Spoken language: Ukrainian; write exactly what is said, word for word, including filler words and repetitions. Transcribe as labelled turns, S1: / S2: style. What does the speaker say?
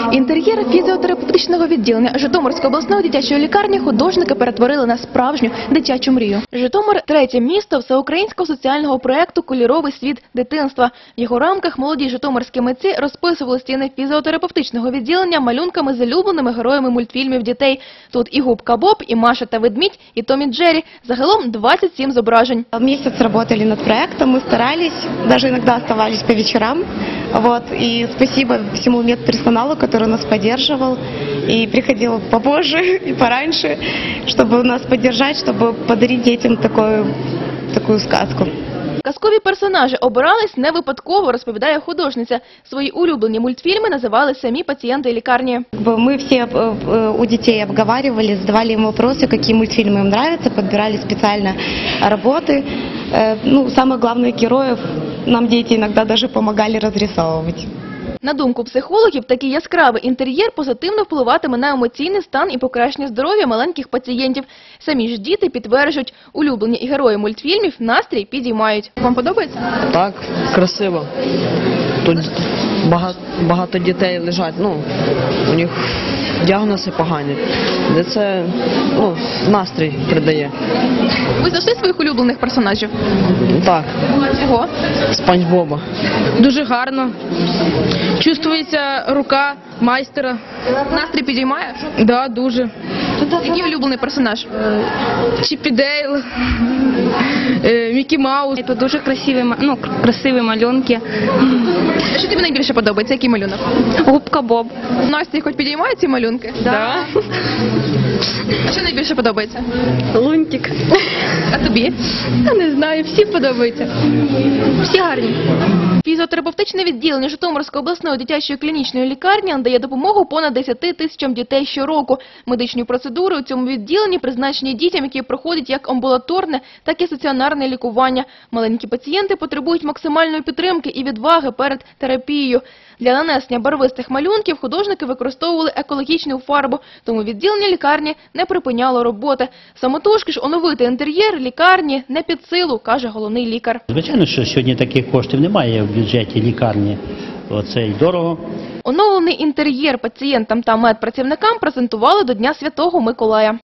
S1: Інтер'єр фізіотерапевтичного відділення Житомирської обласної дитячої лікарні художники перетворили на справжню дитячу мрію. Житомир – третє місто всеукраїнського соціального проєкту «Кольоровий світ дитинства». В його рамках молоді житомирські митці розписували стіни фізіотерапевтичного відділення малюнками з улюбленими героями мультфільмів дітей. Тут і Губка Боб, і Маша та Ведмідь, і Том і Джері. Загалом двадцять сім зображень.
S2: Месяц работали над проектом, мы старались, даже иногда оставались по вечерам. Вот. И спасибо всему медперсоналу, который нас поддерживал и приходил попозже и пораньше, чтобы нас поддержать, чтобы подарить детям такую, такую сказку.
S1: Казкові персонажі обирались не випадково, розповідає художниця. Свої улюблені мультфільми називали самі пацієнти лікарні.
S2: Мы все у детей обговаривали, задавали им вопросы, какие мультфильмы им нравятся, подбирали специально работы. Ну, самых главных героев нам дети иногда даже помогали разрисовывать.
S1: На думку психологів, такий яскравий інтер'єр позитивно впливатиме на емоційний стан і покращення здоров'я маленьких пацієнтів. Самі ж діти підтверджують, улюблені герої мультфільмів настрій підіймають. Вам подобається?
S3: Так, красиво. Тут багато, багато дітей лежать, ну, у них діагнози погані, де це, ну, настрій придає.
S1: Ви знайшли своїх улюблених персонажів?
S3: Так.
S1: Чого?
S3: Спанч Боба.
S4: Дуже гарно. Чувствується рука майстера.
S1: Настрій підіймає?
S4: Да, дуже.
S1: Який улюблений персонаж?
S4: Чіпі Дейл, е, Мікі Маус.
S5: Це дуже красиві, ну, красиві малюнки.
S1: Що тобі найбільше подобається? Який малюнок?
S5: Губка Боб.
S1: Настрій хоч підіймає ці малюнки?
S5: Да.
S1: А що найбільше подобається?
S5: Лунтик.
S1: А тобі?
S5: Я не знаю, всі подобаються. Всі гарні.
S1: Фізіотерапевтичне відділення Житомирської обласної дитячої клінічної лікарні надає допомогу понад десяти тисячам дітей щороку. Медичні процедури у цьому відділенні призначені дітям, які проходять як амбулаторне, так і стаціонарне лікування. Маленькі пацієнти потребують максимальної підтримки і відваги перед терапією. Для нанесення барвистих малюнків художники використовували екологічну фарбу, тому відділення лікарні не припиняло роботи. Самотужки ж оновити інтер'єр лікарні не під силу, каже головний лікар.
S6: Звичайно, що сьогодні таких коштів немає в бюджеті лікарні. Оце й дорого.
S1: Оновлений інтер'єр пацієнтам та медпрацівникам презентували до Дня Святого Миколая.